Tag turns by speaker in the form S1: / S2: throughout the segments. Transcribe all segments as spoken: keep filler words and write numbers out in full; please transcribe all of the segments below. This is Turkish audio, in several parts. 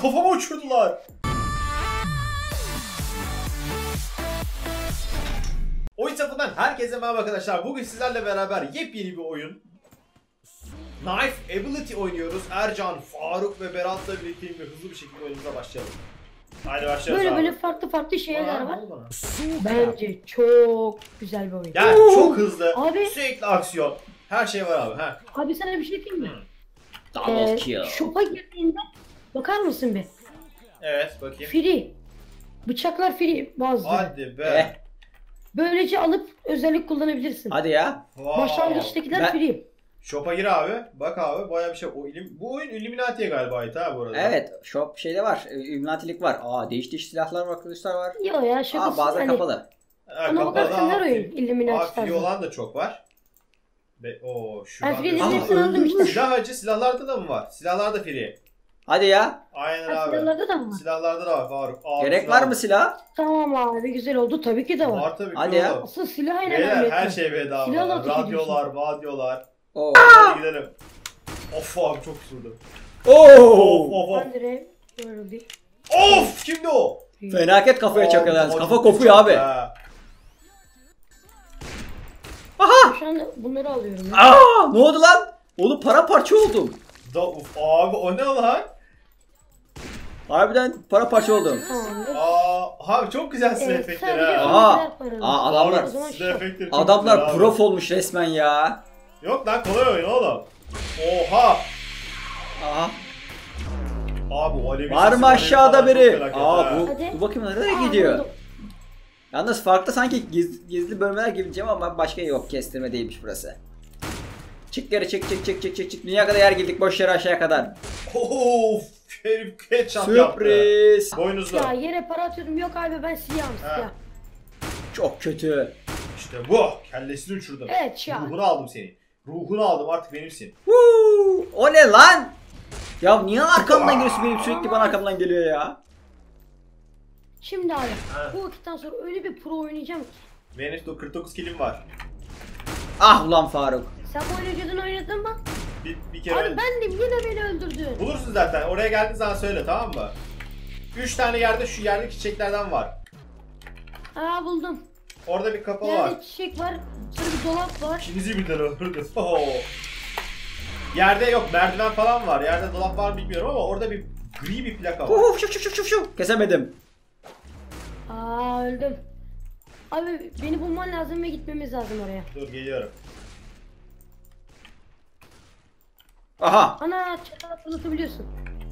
S1: kafama uçurdular. Oyun Safı'ndan herkese merhaba arkadaşlar. Bugün sizlerle beraber yepyeni bir oyun Knife Ability oynuyoruz. Ercan, Faruk ve Berat'la birlikte bir hızlı bir şekilde oyunumuza başlayalım. Haydi başlayalım.
S2: Böyle
S1: abi.
S2: böyle farklı farklı şeyler
S1: Aa,
S2: var.
S1: bana.
S2: Bence çok güzel bir oyun.
S1: Yani
S2: Oo!
S1: çok hızlı,
S2: Abi.
S1: sürekli aksiyon. Her şey var abi. Ha.
S2: Abi sana bir şey diyeyim mi?
S3: Double
S2: Ee,
S3: kill.
S2: Shop'a girdiğinde bakar mısın bir?
S1: Evet, bakayım.
S2: Free. Bıçaklar free bazıları.
S1: Hadi be.
S3: Eh,
S2: Böylece alıp özellik kullanabilirsin.
S3: hadi ya.
S1: Wow.
S2: Başlangıçtakiler
S3: Ben-
S2: free.
S1: Shop'a gir abi. Bak abi, bayağı bir şey. O ilim... Bu oyun Illuminati'ye galiba ait ha bu arada.
S3: Evet, shop şeyde var. Illuminati'lik var. Aa, değiş değiş silahlar var, arkadaşlar var.
S2: Yo ya şakası.
S3: Aa, bazen
S2: hani,
S3: kapalı.
S1: Ha,
S2: Ona bakarsan her oyun
S1: Aa,
S2: Illuminati
S1: free
S2: tarzı.
S1: olan da çok var. Be o şu.
S2: Ben free'lerin
S3: Aa,
S2: hepsini aldım işte.
S1: Silah acı silahlarda da mı var? Silahlar da free.
S3: Hadi ya.
S1: Aynen
S2: Ha,
S1: abi.
S2: silahlarda da mı var?
S1: Silahlarda da var Faruk. Aa,
S3: Gerek
S1: silah-
S3: var mı silah?
S2: Tamam abi güzel oldu. Tabii ki de var.
S1: Var tabii ki
S3: Hadi ya.
S1: oğlum.
S2: Asıl silah en
S1: Beyler
S2: önemli.
S1: her şey bedava.
S2: Silahla ateş
S1: Radyolar, radyolar.
S3: Oo.
S1: Hadi gidelim. Of abi çok sürdü.
S3: Oo.
S1: Of of of.
S2: Ben de böyle bir.
S1: Of kimdi o?
S3: Fenaket kafaya
S1: Aa,
S3: çakıyorlar.
S1: çok
S3: Kafa
S1: kötü
S3: kopuyor abi.
S1: ha.
S2: Şu anda bunları alıyorum. Ya.
S3: Aa, ne oldu lan? Oğlum paramparça oldum.
S1: Da, uf, abi o ne lan?
S3: Harbiden paramparça oldum.
S2: Tamamdır.
S1: Aa, abi çok güzel silah
S2: Evet,
S1: efektleri
S2: sadece
S1: ha.
S3: Aa.
S2: bilgiler paralı.
S3: Aa, adamlar-
S2: O zaman
S1: Silah
S2: şu.
S1: efektleri çok
S3: Adamlar
S1: güzel abi.
S3: prof olmuş resmen ya.
S1: Yok lan kolay oyun oğlum. Oha.
S3: Aha.
S1: Abi o alevi
S3: Var
S1: sesi,
S3: mı
S1: alevi
S3: aşağıda
S1: falan çok
S3: biri?
S1: felaket
S3: Aa,
S1: ha.
S3: bu,
S2: Hadi.
S3: bu bakayım nereye
S2: Aa,
S3: gidiyor?
S2: buldum.
S3: Yalnız farklı sanki giz, gizli bölmeler gibi diyeceğim ama başka yok, kestirme değilmiş burası. Çık geri, çık çık çık çık çık çık. Dünya kadar yer girdik, boş yere aşağıya kadar.
S1: Of. Herif headshot yaptı.
S3: Sürpriz.
S1: Boynuzlu.
S2: Ya yere para atıyordum. Yok abi ben siyahım
S1: Ha.
S2: siyah.
S3: Çok kötü.
S1: İşte bu. Kellesini uçurdum.
S2: Evet şah.
S1: Ruhunu aldım seni. Ruhunu aldım artık benimsin.
S3: Woo! O ne lan? Ya niye arkamdan geliyorsun, benim sürekli bana arkamdan geliyor ya.
S2: Şimdi abi
S1: Ha.
S2: bu vakitten sonra öyle bir pro oynayacağım ki.
S1: Benim de kırk dokuz kilim var.
S3: Ah ulan Faruk.
S2: Sen bu oyunu önceden oynadın mı?
S1: Bir, bir kere...
S2: Abi ben de yine beni öldürdün.
S1: Bulursun zaten. Oraya geldiğin zaman söyle, tamam mı? Üç tane yerde şu yerdeki çiçeklerden var.
S2: Aa buldum.
S1: Orada bir kapı var.
S2: Yerde çiçek var. Sonra bir dolap var.
S1: İkinizi birden öldürdü. Oo. Yerde yok, merdiven falan var. Yerde dolap var mı bilmiyorum ama orada bir gri bir plaka var.
S3: Uf, şuf şuf şuf şuf. Kesemedim.
S2: Aa öldüm. Abi beni bulman lazım ve gitmemiz lazım oraya.
S1: Dur geliyorum.
S3: Aha.
S2: Ana çatal fırlatabiliyorsun.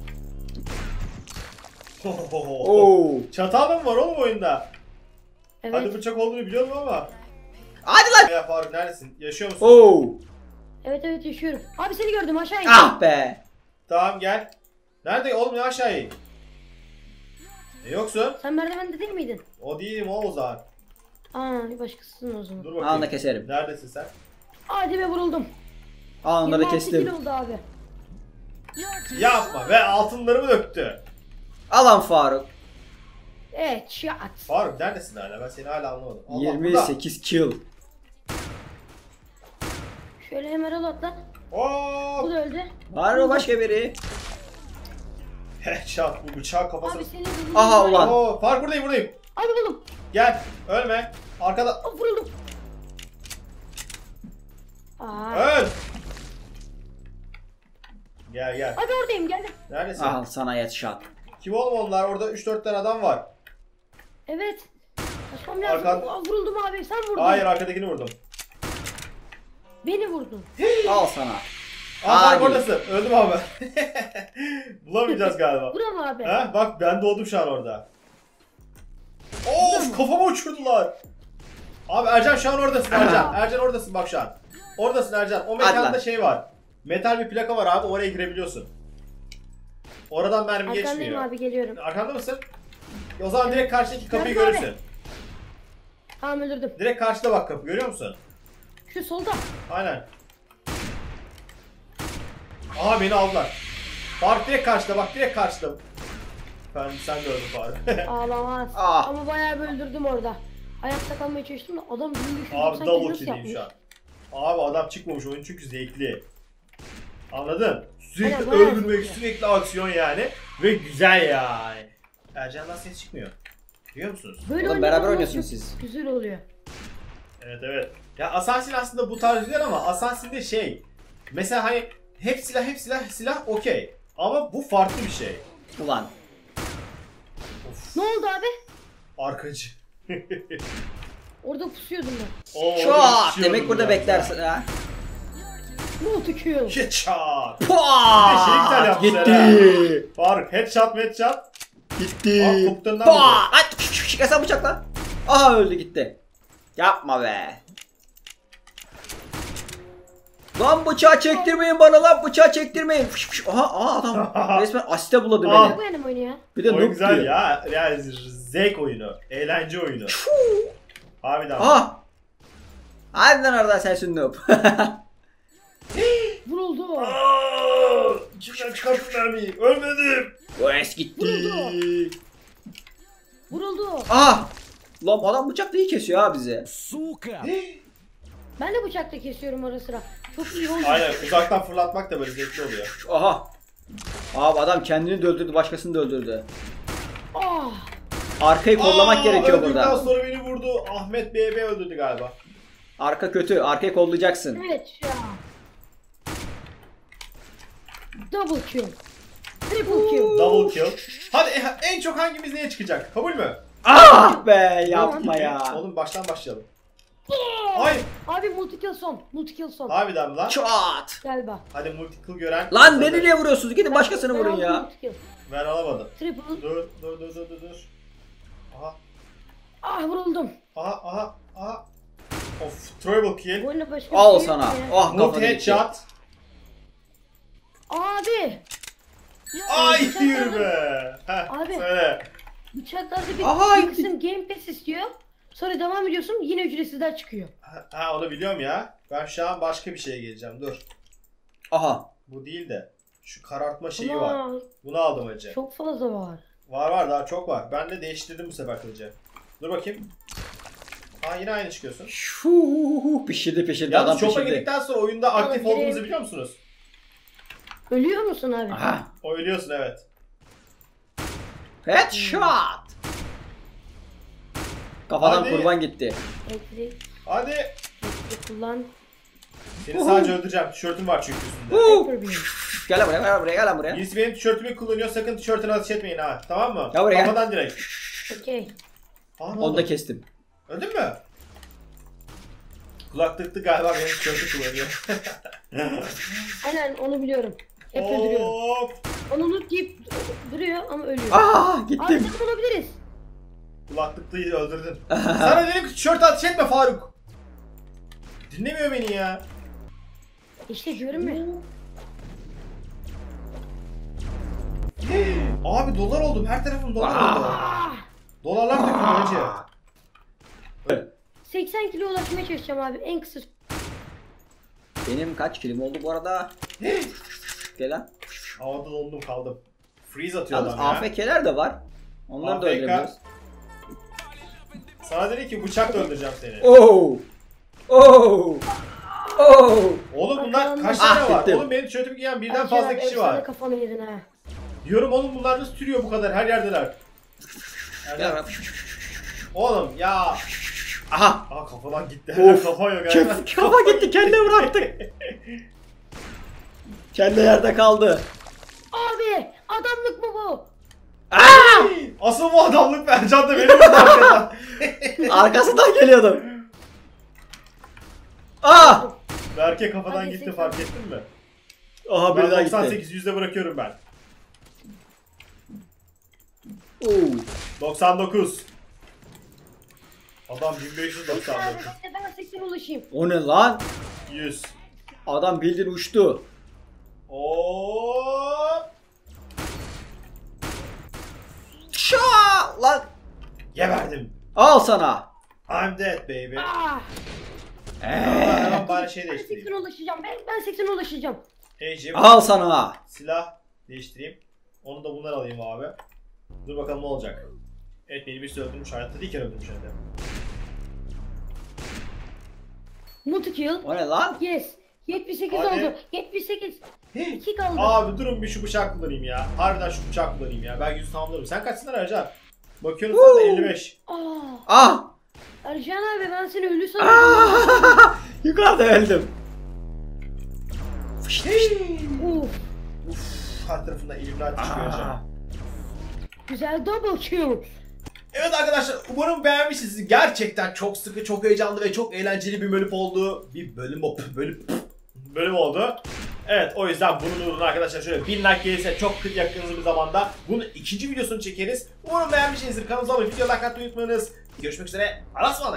S3: Oo.
S1: Çatal mı var oğlum oyunda?
S2: Evet.
S1: Hadi bıçak olduğunu biliyorum ama.
S3: Hadi lan.
S1: Ya Faruk neredesin? Yaşıyor musun?
S3: Oo.
S2: Evet evet yaşıyorum. Abi seni gördüm aşağı in.
S3: Ah be.
S1: Tamam gel. Nerede oğlum, ne aşağı in? E yoksun?
S2: Sen merdivende değil miydin?
S1: O değilim o o zaman.
S2: Aa bir başkasısın o zaman.
S1: Dur bakayım.
S3: Anında keserim.
S1: Neredesin sen?
S2: Hadi be vuruldum.
S3: Anında da
S2: yirmi altı
S3: kestim.
S2: kilo oldu abi.
S1: Yapma ve altınlarımı döktü.
S3: Alan Faruk.
S2: Evet shot.
S1: Faruk neredesin hala? Ben seni hala anlamadım. Allah,
S3: yirmi sekiz kill.
S2: Şöyle hemen al atla.
S1: burada.
S2: Bu
S1: Oo!
S2: da öldü.
S3: Var mı başka biri?
S1: Headshot bu bıçağı kafasına.
S2: Abi seni buldum.
S3: Aha, ulan.
S1: Oo, Faruk buradayım buradayım.
S2: Abi buldum.
S1: Gel. Ölme. Arkada.
S2: Aa, vuruldum. Aa.
S1: Öl. Gel gel.
S2: Abi oradayım geldim.
S1: Neredesin?
S3: Al sana headshot.
S1: Kim oğlum onlar? Orada üç dört tane adam var.
S2: Evet. Kaçmam lazım.
S1: Arkan-
S2: Aa, vuruldum abi sen vurdun.
S1: Hayır, arkadakini vurdum.
S2: Beni vurdun.
S3: Al sana.
S1: Aa Faruk
S3: Hadi.
S1: oradasın. Öldüm abi. Bulamayacağız galiba.
S2: Vuram abi.
S1: Ha bak ben doğdum şu an orada. Of kafama uçurdular. Abi Ercan şu an oradasın Ercan. Ercan oradasın bak şu an. Oradasın Ercan. O
S3: Hadi
S1: mekanda
S3: lan.
S1: şey var. Metal bir plaka var abi, oraya girebiliyorsun. Oradan mermi
S2: Arkandayım
S1: geçmiyor.
S2: abi geliyorum.
S1: Arkanda mısın? O zaman direkt karşıdaki kapıyı
S2: Nerede abi?
S1: görürsün.
S2: Tamam öldürdüm.
S1: Direkt karşıda bak kapı, görüyor musun?
S2: Şu solda.
S1: Aynen. Aha beni aldılar. Faruk direkt karşıda bak, direkt karşıda. Ben sen de öldün Faruk.
S2: Ağlamaz.
S3: Ah.
S2: Ama bayağı bir öldürdüm orada. Ayakta kalmaya çalıştım da adam bin beş yüz
S1: Abi
S2: doksan
S1: double
S2: kilosu
S1: kill'iyim
S2: yapmış.
S1: şu an. Abi adam çıkmamış oyun çünkü zevkli. Anladın? Sürekli
S2: Aynen, bayağı
S1: öldürmek,
S2: zevkli.
S1: sürekli aksiyon yani. Ve güzel yani. Ercan'dan ses çıkmıyor. Biliyor musunuz?
S2: Böyle
S3: Oğlum,
S2: oynadığınız
S3: beraber
S2: zaman
S3: oynuyorsunuz
S2: çok
S3: siz.
S2: Güzel oluyor.
S1: Evet evet. Ya Assassin aslında bu tarz güzel ama Assassin'de şey. Mesela hani hep silah hep silah silah okey. Ama bu farklı bir şey.
S3: Ulan.
S1: Of,
S2: Ne oldu abi?
S1: arkacı.
S2: Orada pusuyordum ben.
S1: Oo,
S3: Çok.
S1: orada
S3: Demek burada
S1: ya.
S3: beklersin ha.
S2: Multi-kill.
S1: Headshot.
S3: Pua!
S1: Bir de şey güzel yapmışlar
S3: Gitti.
S1: Faruk headshot headshot.
S3: Gitti.
S1: Aa, koptanından
S3: Pua!
S1: vurdu.
S3: Ay, çıkarsan bıçakla. Aha öldü gitti. Yapma be. Lan bıçağı çektirmeyin bana lan bıçağı çektirmeyin. Fış fış. Aha, aha adam resmen asiste buladı
S1: Aa.
S3: beni.
S2: Bu benim oyunu ya.
S3: Bir de
S1: Oyun
S3: noob
S1: güzel
S3: diyor.
S1: ya. Yani zevk oyunu. Eğlence oyunu. Harbiden.
S3: Aha. Hadi lan oradan sensin noob.
S2: Vuruldu.
S1: Aa, İçimden çıkarttın mermiyi. Ölmedim.
S3: O es gitti.
S2: Vuruldu. Vuruldu.
S3: Ah. Lan adam bıçakla iyi kesiyor ha bizi.
S2: Ben de bıçakla kesiyorum ara sıra. Çok iyi oldu.
S1: Aynen uzaktan fırlatmak da böyle zevkli oluyor.
S3: Aha. Abi adam kendini de öldürdü başkasını da öldürdü.
S2: Ah.
S3: Arkayı kollamak
S1: Aa,
S3: gerekiyor
S1: öldükten
S3: burada.
S1: sonra beni vurdu. Ahmet B B öldürdü galiba.
S3: Arka kötü. Arkayı kollayacaksın.
S2: Evet ya. Double kill. Triple kill.
S1: Double kill. Hadi e, en çok hangimiz neye çıkacak? Kabul mü?
S3: Ah be yapma ya.
S1: Oğlum baştan başlayalım. Ay.
S2: Abi multi kill son. Multi kill son.
S1: Harbiden mi lan?
S3: Çat.
S2: Galiba.
S1: Hadi multikill gören.
S3: Lan beni niye vuruyorsunuz? Gidin başkasını
S2: Ben
S3: vurun
S2: aldım
S3: ya.
S2: multi kill.
S1: Ben alamadım.
S2: Triple.
S1: Dur dur dur dur dur dur. Aha
S2: Ah vuruldum.
S1: aha aha aha. Of triple kill.
S2: Bu oyunda başka
S3: Al
S2: bir şey yok
S3: sana.
S2: ya.
S3: Ah
S1: Multi
S3: kafana gitti.
S1: headshot.
S2: Abi. Ya,
S1: Ay
S2: bıçaklarda-
S1: yürü be. Heh,
S2: Abi.
S1: söyle.
S2: Bıçaklarda bir,
S3: Aha,
S2: bir
S3: gitti.
S2: kısım Game Pass istiyor. Sonra devam ediyorsun yine ücretsizler çıkıyor.
S1: Ha, ha onu biliyorum ya. Ben şu an başka bir şeye geleceğim. Dur.
S3: Aha.
S1: Bu değil de. Şu karartma şeyi
S2: Ama
S1: var. Bunu aldım acı.
S2: çok fazla var.
S1: Var var daha çok var. Ben de değiştirdim bu sefer kılıcı. Dur bakayım. Aa yine aynı çıkıyorsun.
S3: Şuuu pişirdi pişirdi adam
S1: Yalnız çopa
S3: pişirdi.
S1: girdikten sonra oyunda aktif
S2: Oğlum,
S1: olduğunuzu
S2: gireyim.
S1: biliyor musunuz?
S2: Ölüyor musun abi?
S3: Aha.
S1: O ölüyorsun evet.
S3: Headshot. Kafadan
S1: Hadi.
S3: kurban gitti.
S2: Elektrik,
S1: Hadi.
S2: elektrik kullan.
S1: Seni sadece öldüreceğim. Tişörtüm var çünkü üstünde.
S3: Huu.
S2: Hyper beam.
S3: Gel lan buraya gel lan buraya gel lan buraya.
S1: Birisi benim tişörtümü kullanıyor. Sakın tişörtüne ateş etmeyin ha. Tamam mı?
S3: Ya buraya gel.
S1: Kafadan direkt.
S2: Okey.
S1: Aa, ne
S3: Onu
S1: oldu?
S3: da kestim.
S1: Öldün mü? Kulaklıklı galiba benim tişörtü kullanıyor.
S2: Aynen onu biliyorum. Hep öldürüyorum.
S1: Hop.
S2: Onu unut deyip duruyor ama ölüyor.
S3: Aa
S2: Abi
S3: gittim.
S2: takım olabiliriz.
S1: Kulaklıklıyı öldürdün. Sana dedim ki tişört ateş etme Faruk. Dinlemiyor beni ya.
S2: İşte diyorum ya.
S1: Abi dolar oldum. Her tarafım dolar oldu.
S2: Ah!
S1: Dolarlar döküldü hacı.
S2: seksen kilo ulaşmaya çalışacağım abi en kısa.
S3: Benim kaç kilim oldu bu arada? Gel lan.
S1: Havada dondum kaldım. Freeze atıyor
S3: Yalnız
S1: adam ya.
S3: A F K'ler de var. Onları da
S1: A F K.
S3: öldürebiliyoruz.
S1: Sana dedi ki bıçakla öldüreceğim seni.
S3: Oo. Oo. Oo.
S1: Oğlum bunlar kaç
S3: Ah,
S1: tane var?
S3: bittim.
S1: Oğlum benim tişörtümü giyen birden
S2: Ercan
S1: fazla
S2: abi,
S1: kişi
S2: efsane
S1: var.
S2: kafanı yedin ha.
S1: Diyorum oğlum bunlar nasıl türüyor bu kadar? Her yerdeler.
S3: Gel lan.
S1: Oğlum ya.
S3: Aha.
S1: Aa kafadan gitti.
S3: Of.
S1: Kafa yok.
S3: Kef- Kafa gitti kendine bıraktık. Kendi yerde kaldı.
S2: Abi adamlık mı bu?
S3: Aa!
S1: Asıl bu adamlık Ercan da benim de arkadan.
S3: Arkasından geliyordum. Aa!
S1: Berke kafadan
S2: Hadi
S1: gitti
S2: seksen.
S1: fark ettin mi?
S3: Aha biri
S1: Ben
S3: daha
S1: doksan
S3: gitti.
S1: sekiz yüzde bırakıyorum ben.
S3: Oo.
S1: doksan dokuz. Adam bin beş yüz
S2: Abi
S1: doksan dokuz.
S2: ben de ben seksene ulaşayım.
S3: O ne lan?
S1: yüz.
S3: Adam bildiğin uçtu.
S1: Hop.
S3: Şaa! Lan
S1: Geberdim.
S3: al sana.
S1: I'm dead baby.
S2: Ah!
S1: Hemen hemen bari şey
S2: Ben
S1: değiştireyim.
S2: seksene ulaşacağım. Ben, ben seksene ulaşacağım.
S1: Ejim.
S3: Al sana.
S1: Silah değiştireyim. Onu da bundan alayım abi. Dur bakalım ne olacak. Evet beni birisi öldürmüş. Hayatta değilken öldürmüş hem de.
S2: Multi kill.
S3: O ne lan?
S2: Yes. yetmiş sekiz
S1: Hadi.
S2: oldu. yetmiş sekiz. iki kaldı.
S1: Abi durun bir şu bıçak kullanayım ya. Harbiden şu bıçak kullanayım ya. Ben yüzü tamamlarım. Sen kaçsın Ercan? Bakıyorum sen de elli beş.
S2: Aa,
S3: Ah!
S2: Ercan abi ben seni ölü sanıyordum.
S3: Ah! Yukarıda öldüm.
S2: Uf,
S1: Her tarafından Illuminati çıkıyor Ercan.
S3: Ah!
S2: güzel double kill.
S1: Evet arkadaşlar umarım beğenmişsiniz. Gerçekten çok sıkı, çok heyecanlı ve çok eğlenceli bir bölüm oldu. Bir bölüm bölüm bölüm oldu. Evet o yüzden bunun uğruna arkadaşlar şöyle bin like gelirse çok yakın bir zamanda bunun ikinci videosunu çekeriz. Umarım beğenmişsinizdir. Kanalımıza abone olmayı, video like atmayı unutmayınız. Görüşmek üzere. Arasmadık.